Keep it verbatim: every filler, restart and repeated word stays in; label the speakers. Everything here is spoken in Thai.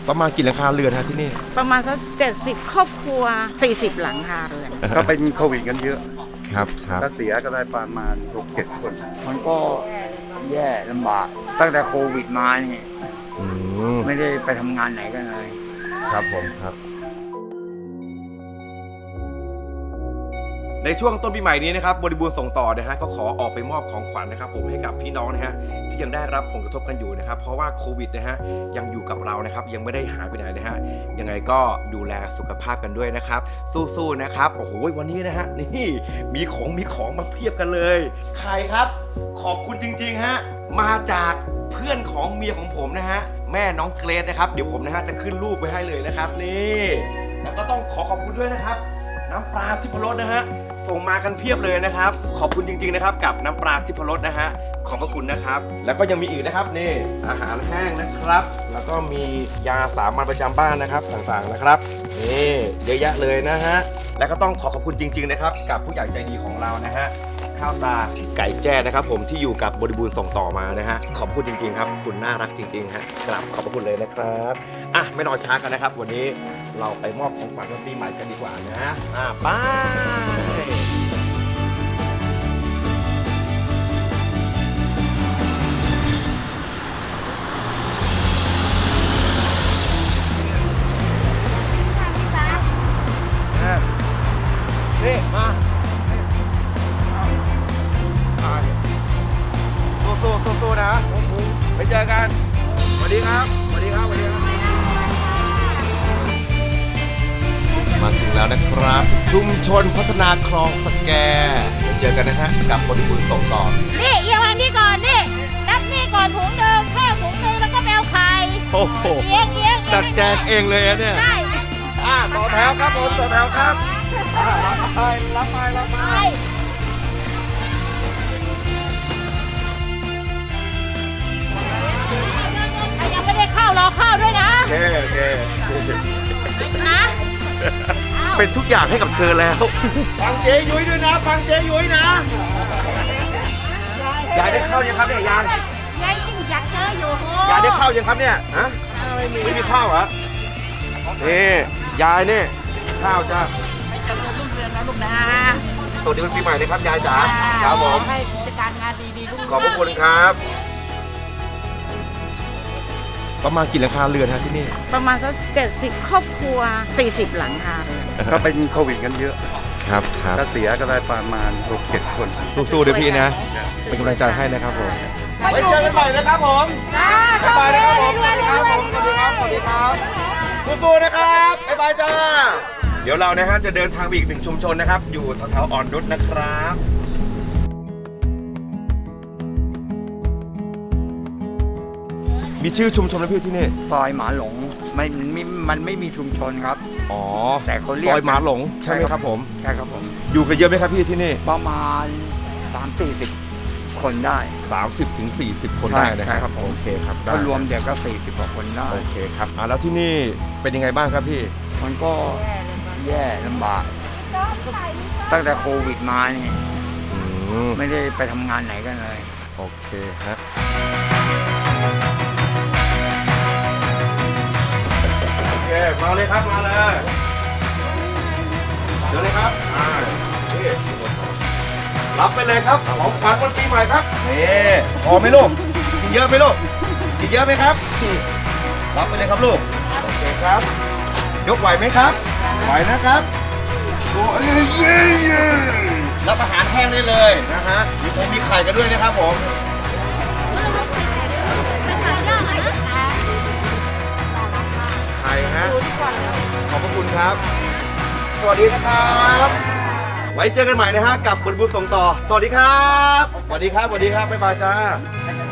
Speaker 1: ประมาณกี่หลังคาเรือนฮะที่นี่
Speaker 2: ประมาณสักเจ็ดสิบครอบครัวสี่สิบหลังคาเรือน
Speaker 3: ก็เป็นโควิดกันเยอะ
Speaker 1: ครับครับ
Speaker 3: ก็เสียก็ได้ประมาณหกเจ็ดคน
Speaker 4: มันก็แย่ลำบากตั้งแต่โควิดมาเนี่ยไม่ได้ไปทำงานไหนกันเลย
Speaker 1: ครับผมครับ
Speaker 5: ในช่วงต้นปีใหม่นี้นะครับบริบูรณ์ส่งต่อนะฮะก็ขอออกไปมอบของขวัญนะครับผมให้กับพี่น้องนะฮะที่ยังได้รับผลกระทบกันอยู่นะครับเพราะว่าโควิดนะฮะยังอยู่กับเรานะครับยังไม่ได้หายไปไหนนะฮะยังไงก็ดูแลสุขภาพกันด้วยนะครับสู้ๆนะครับโอ้โหวันนี้นะฮะนี่มีของมีของมาเพียบกันเลยใครครับขอบคุณจริงๆฮะมาจากเพื่อนของเมียของผมนะฮะแม่น้องเกรซนะครับเดี๋ยวผมนะฮะจะขึ้นรูปไว้ให้เลยนะครับนี่แล้วก็ต้องขอขอบคุณด้วยนะครับน้ำปลาทิพรสนะฮะส่งมากันเพียบเลยนะครับขอบคุณจริงๆนะครับกับน้ำปลาทิพรสนะฮะขอบพระคุณนะครับแล้วก็ยังมีอีกนะครับนี่อาหารแห้งนะครับแล้วก็มียาสามัญประจำบ้านนะครับต่างๆนะครับนี่เยอะแยะเลยนะฮะและก็ต้องขอขอบคุณจริงๆนะครับกับผู้ใหญ่ใจดีของเรานะฮะข้าวตาไก่แจ้นะครับผมที่อยู่กับบริบูรณ์ส่งต่อมานะฮะขอบคุณจริงๆครับคุณน่ารักจริงๆฮะกราบขอบพระคุณเลยนะครับอ่ะไม่รอช้ากันนะครับวันนี้เราไปมอบของขวัญวันปีใหม่กันดีกว่านะอ่ะไปนี่มาสู้ๆสู้ๆนะไปเจอกันสวัสดีครับสวัสดีครับสวัสดีครับ
Speaker 1: มาถึงแล้วนะครับชุมชนพัฒนาคลองสแกเจอกันนะฮะกับบริบูรณ์ส่งต่อ
Speaker 2: นี่เอียงวางนี่ก่อนนี่นับนี่ก่อนถุงเดิมข้าวถุงนึงแล้วก็แมวไข่
Speaker 1: โอ้โห
Speaker 2: เอียงเอียง
Speaker 1: จัดแจงเองเลยเนี่ย
Speaker 2: ใช่
Speaker 5: อ่าต่อแถวครับผมต่อแถวครับรับไปรับไปรับไป
Speaker 2: ยังไม่ได้ข้าวรอข้าวด้วยนะ
Speaker 5: โอเคโอเค
Speaker 2: นะ
Speaker 5: เป็นทุกอย่างให้กับเธอแล้วฟังเจ๊ยุ้ยด้วยนะฟังเจ๊ยุ้ยนะยายได้ข้าวยังครับเนี่ยยาย
Speaker 2: ยายยิ่งอยากเจออยู่
Speaker 5: ยายได้ข้าวยังครับเนี่ยฮะไม่มีข้าวเหรอนี่ยายนี่ข้าวจ้า
Speaker 2: ไม่เจริญรุ่งเรืองนะลูกนะ
Speaker 5: สวัสดีปีใหม่นะครับยายจ๋าครับผม
Speaker 2: ให้กิจการงานดีๆลูก
Speaker 5: ขอบพระคุณครับ
Speaker 1: ประมาณกี่หลังคาเรือนฮะที่นี่
Speaker 2: ประมาณสักเจ็ดสิบครอบครัวสี่สิบหลังคาเรือน
Speaker 3: ก็เป็นโควิดกันเยอะ
Speaker 1: ครับครับ
Speaker 3: ก็เสียก็ได้ประมาณหกเจ็ดคน
Speaker 1: สู้ๆเดี๋ยวพี่นะเป็นกำลังใจให้นะครับผม
Speaker 5: ไว้เจอกันใหม่นะครับผมบ๊ายบายนะครับผมสวัสดีครับผมสวัสดีครับสวัสดีครับสู้ๆนะครับบ๊ายบายจ้าเดี๋ยวเรานะฮะจะเดินทางไปอีกหนึ่งชุมชนนะครับอยู่แถวๆอ่อนนุชนะครับ
Speaker 1: มีชื่อชุมชนไหมพี่ที่นี่
Speaker 4: ซอยหมาหลงไม่ไม่มันไม่มีชุมชนครับ
Speaker 1: อ๋อ
Speaker 4: แต่เขาเรียก
Speaker 1: ซอยหมาหลงใช่ไหมครับผม
Speaker 4: ใช่ครับผม
Speaker 1: อยู่กันเยอะไหมครับพี่ที่นี่
Speaker 4: ประมาณสามสี่สิบคนได้
Speaker 1: สามสิบถึงสี่สิบคนได้นะครับโอเคครับ
Speaker 4: ถ้ารวมเด็กก็สี่สิบกว่าคนได้
Speaker 1: โอเคครับอ่าแล้วที่นี่เป็นยังไงบ้างครับพี่
Speaker 4: มันก็แย่ลำบากตั้งแต่โควิดมาเนี่ยไม่ได้ไปทำงานไหนกันเลย
Speaker 1: โอเคฮะ
Speaker 5: โอเคมาเลยครับมาเลยเดี๋ยวเลยครับอ่านี่รับไปเลยครับของขวัญวันปีใหม่ครับนี่พอไหมลูกกินเยอะไหมลูกกินเยอะไหมครับรับไปเลยครับลูกโอเคครับยกไหวไหมครับไหวนะครับโอ้ยเย้รับอาหารแห้งได้เลยนะฮะมีผมมีไข่กันด้วยนะครับผมไข่ฮะขอบพระคุณครับสวัสดีนะครับไว้เจอกันใหม่นะฮะกับบริบูรณ์ส่งต่อสวัสดีครับสวัสดีครับสวัสดีครับบ๊ายบายจ้า